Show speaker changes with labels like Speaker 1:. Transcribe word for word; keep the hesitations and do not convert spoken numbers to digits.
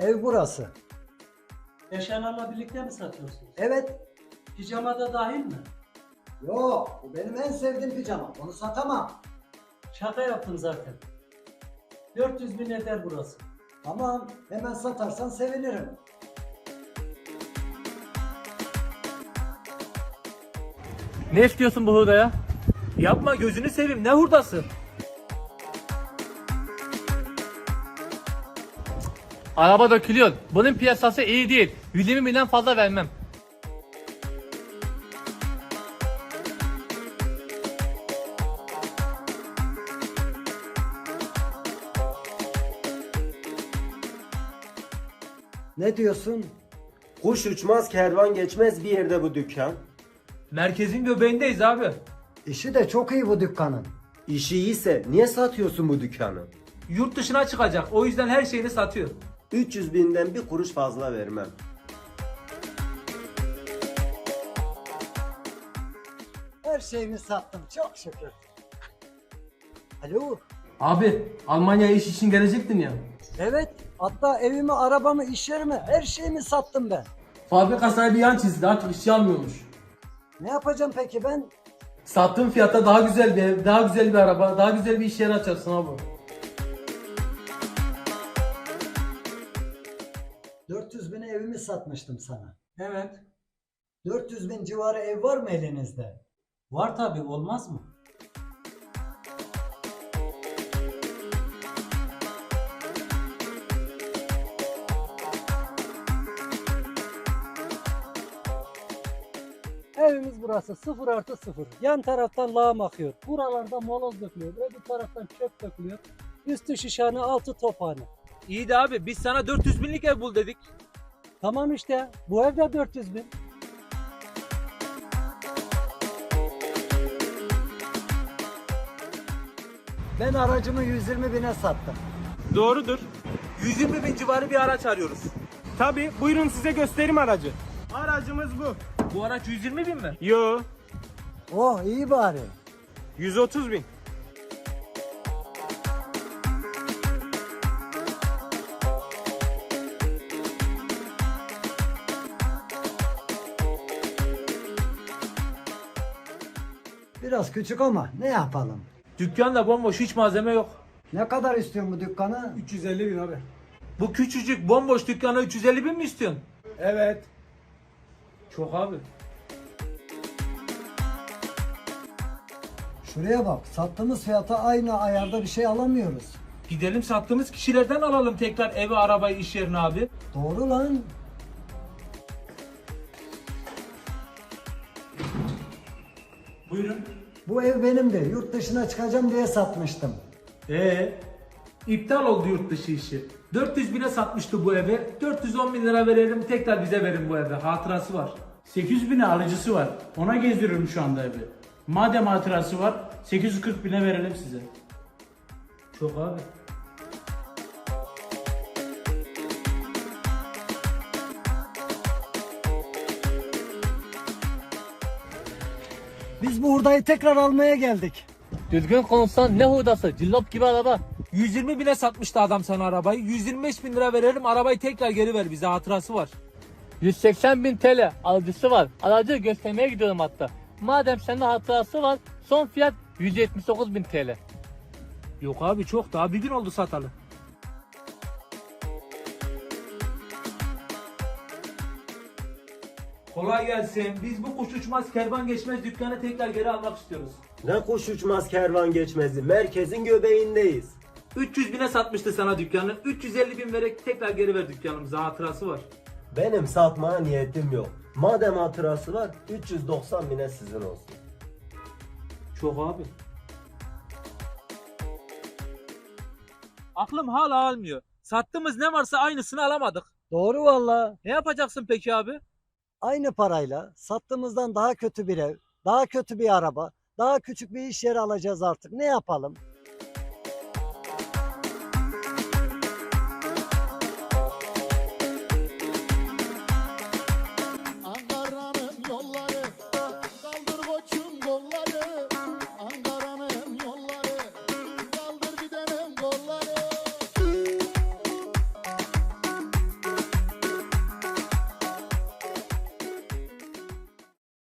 Speaker 1: Ev burası.
Speaker 2: Eşyalarla birlikte mi satıyorsunuz?
Speaker 1: Evet.
Speaker 2: Pijama da dahil mi?
Speaker 1: Yok, bu benim en sevdiğim pijama. Onu satamam.
Speaker 2: Şaka yaptım zaten. dört yüz bin eder burası.
Speaker 1: Tamam, hemen satarsan sevinirim.
Speaker 3: Ne istiyorsun bu hurdaya? Yapma gözünü seveyim, ne hurdası? Araba dökülüyor. Bunun piyasası iyi değil. yüz yirmi binden fazla vermem.
Speaker 1: Ne diyorsun?
Speaker 4: Kuş uçmaz kervan geçmez bir yerde bu dükkan.
Speaker 3: Merkezin göbeğindeyiz abi.
Speaker 1: İşi de çok iyi bu dükkanın.
Speaker 4: İşi iyiyse niye satıyorsun bu dükkanı?
Speaker 3: Yurt dışına çıkacak. O yüzden her şeyini satıyor.
Speaker 4: üç yüz binden bir kuruş fazla vermem.
Speaker 1: Her şeyimi sattım, çok şükür. Alo?
Speaker 5: Abi Almanya'ya iş için gelecektin ya.
Speaker 1: Evet, hatta evimi, arabamı, iş yerimi, her şeyimi sattım ben.
Speaker 5: Fabrika sahibi yan çizdi, artık işçi almıyormuş.
Speaker 1: Ne yapacağım peki ben?
Speaker 5: Sattığın fiyata daha güzel bir ev, daha güzel bir araba, daha güzel bir iş yeri açarsın abi.
Speaker 1: dört yüz bine evimi satmıştım sana.
Speaker 2: Evet.
Speaker 1: dört yüz bin civarı ev var mı elinizde?
Speaker 2: Var tabi, olmaz mı?
Speaker 6: Evimiz burası sıfır artı sıfır. Yan taraftan lağım akıyor. Buralarda moloz dökülüyor. Öbür taraftan çöp dökülüyor. Üstü şişhane, altı tophane.
Speaker 3: İyi de abi biz sana dört yüz binlik ev bul dedik.
Speaker 6: Tamam işte bu evde dört yüz bin.
Speaker 1: Ben aracımı yüz yirmi bine sattım.
Speaker 3: Doğrudur. yüz yirmi bin civarı bir araç arıyoruz.
Speaker 7: Tabii, buyurun size göstereyim aracı. Aracımız bu.
Speaker 3: Bu araç yüz yirmi bin mi?
Speaker 7: Yo,
Speaker 1: Oh iyi bari.
Speaker 7: yüz otuz bin.
Speaker 1: Biraz küçük ama ne yapalım?
Speaker 3: Dükkanda bomboş, hiç malzeme yok.
Speaker 1: Ne kadar istiyorsun bu dükkanı?
Speaker 7: üç yüz elli bin abi.
Speaker 3: Bu küçücük bomboş dükkana üç yüz elli bin mi istiyorsun?
Speaker 7: Evet.
Speaker 3: Çok abi.
Speaker 1: Şuraya bak, sattığımız fiyata aynı ayarda bir şey alamıyoruz.
Speaker 3: Gidelim sattığımız kişilerden alalım tekrar evi, arabayı, iş yerini abi.
Speaker 1: Doğru lan.
Speaker 3: Buyurun.
Speaker 1: Bu ev benim de yurt dışına çıkacağım diye satmıştım.
Speaker 3: Ee, iptal oldu yurt dışı işi. dört yüz bine satmıştı bu evi. dört yüz on bin lira verelim, tekrar bize verin bu evi. Hatırası var.
Speaker 8: sekiz yüz bine alıcısı var. Ona gezdiriyorum şu anda evi. Madem hatırası var sekiz yüz kırk bine verelim size.
Speaker 3: Çok abi.
Speaker 1: Biz bu hurdayı tekrar almaya geldik.
Speaker 3: Düzgün konuşsan ne hurdası? Cillop gibi araba. yüz yirmi bine satmıştı adam sana arabayı. yüz yirmi beş bin lira verelim, arabayı tekrar geri ver bize, hatırası var. yüz seksen bin T L alıcısı var. Aracı göstermeye gidiyorum hatta. Madem sende hatırası var, son fiyat yüz yetmiş dokuz bin T L. Yok abi, çok, daha bir gün oldu satalı. Kolay gelsin. Biz bu kuş uçmaz kervan geçmez dükkanı tekrar geri almak istiyoruz.
Speaker 4: Ne kuş uçmaz kervan geçmezdi. Merkezin göbeğindeyiz.
Speaker 3: üç yüz bine satmıştı sana dükkanı. üç yüz elli bin vererek tekrar geri ver dükkanımıza, hatırası var.
Speaker 4: Benim satmaya niyetim yok. Madem hatırası var üç yüz doksan bine sizin olsun.
Speaker 3: Çok abi. Aklım hala almıyor. Sattığımız ne varsa aynısını alamadık.
Speaker 1: Doğru valla.
Speaker 3: Ne yapacaksın peki abi?
Speaker 1: Aynı parayla sattığımızdan daha kötü bir ev, daha kötü bir araba, daha küçük bir iş yeri alacağız artık. Ne yapalım?